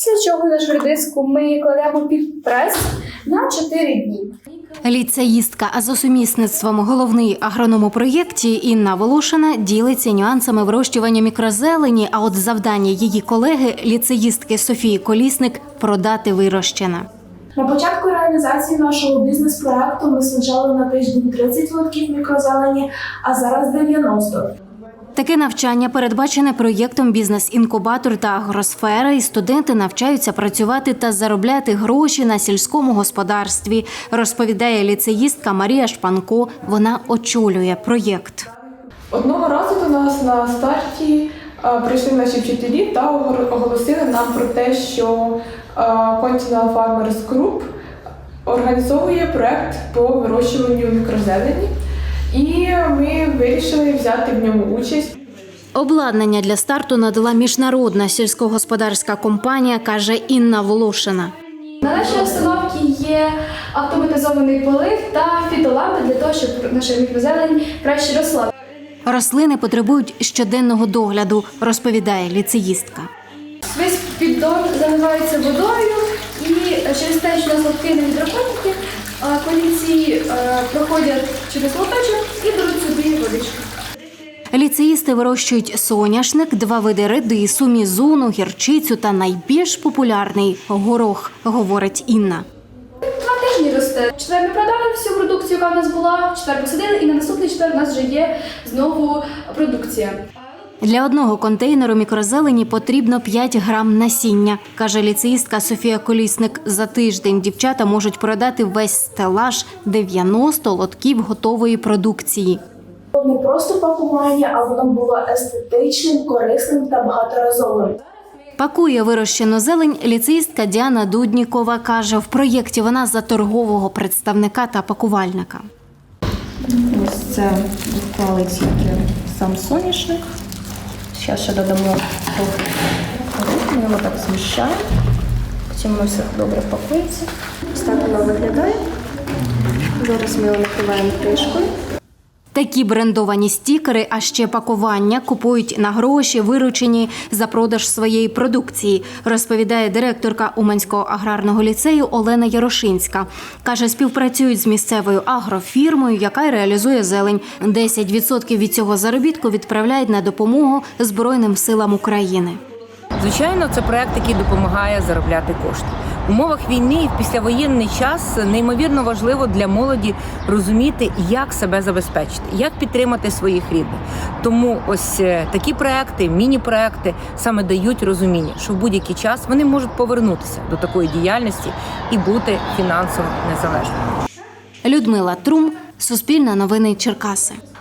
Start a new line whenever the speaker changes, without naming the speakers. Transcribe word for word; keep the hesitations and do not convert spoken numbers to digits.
Після чого нашу редиску ми кладемо під прес на чотири дні.
Ліцеїстка, а за сумісництвом головний агроном у проєкті Інна Волошина ділиться нюансами вирощування мікрозелені, а от завдання її колеги, ліцеїстки Софії Колісник – продати вирощене.
На початку реалізації нашого бізнес-проекту ми саджали на тиждень тридцять лотків мікрозелені, а зараз дев'яносто.
Таке навчання передбачене проєктом «Бізнес-інкубатор» та «Агросфера», і студенти навчаються працювати та заробляти гроші на сільському господарстві, розповідає ліцеїстка Марія Шпанко. Вона очолює проєкт.
Одного разу до нас на старті а, прийшли наші вчителі та оголосили нам про те, що а, Continental Farmers Group організовує проект по вирощуванню мікрозелені. І ми вирішили взяти в ньому участь.
Обладнання для старту надала міжнародна сільськогосподарська компанія, каже Інна Волошина.
На нашій установці є автоматизований полив та фітолампи для того, щоб наша мікрозелень краще росла.
Рослини потребують щоденного догляду, розповідає ліцеїстка.
Весь піддон заливається водою і через те, що у нас лотки не гідропоніки, колінці проходять через лоточок і беруть собі водичку.
Ліцеїсти вирощують соняшник, два види редису, мізуну, гірчицю та найбільш популярний – горох, говорить Інна.
Два тижні росте. В четвер ми продали всю продукцію, яка в нас була, в четвер посадили, і на наступний четвер у нас вже є знову продукція.
Для одного контейнеру мікрозелені потрібно п'ять грам насіння, каже ліцеїстка Софія Колісник. За тиждень дівчата можуть продати весь стелаж – дев'яносто лотків готової продукції.
Не просто пакування, а воно було естетичним, корисним та багаторазовим.
Пакує вирощену зелень ліцеїстка Діана Дуднікова. Каже, в проєкті вона за торгового представника та пакувальника.
Ось це відклали тільки сам соняшник. Зараз ще додамо трохи гороху, ми його так зміщаємо. Потім воно все добре пакується. Ось так воно виглядає. Зараз ми його накриваємо кришкою.
Такі брендовані стікери, а ще пакування купують на гроші, виручені за продаж своєї продукції, розповідає директорка Уманського аграрного ліцею Олена Ярошинська. Каже, співпрацюють з місцевою агрофірмою, яка й реалізує зелень. десять відсотків від цього заробітку відправляють на допомогу Збройним силам України.
Звичайно, це проект, який допомагає заробляти кошти. В умовах війни і в післявоєнний час неймовірно важливо для молоді розуміти, як себе забезпечити, як підтримати своїх рідних. Тому ось такі проекти, міні-проекти саме дають розуміння, що в будь-який час вони можуть повернутися до такої діяльності і бути фінансово незалежними.
Людмила Трум, Суспільне новини Черкаси.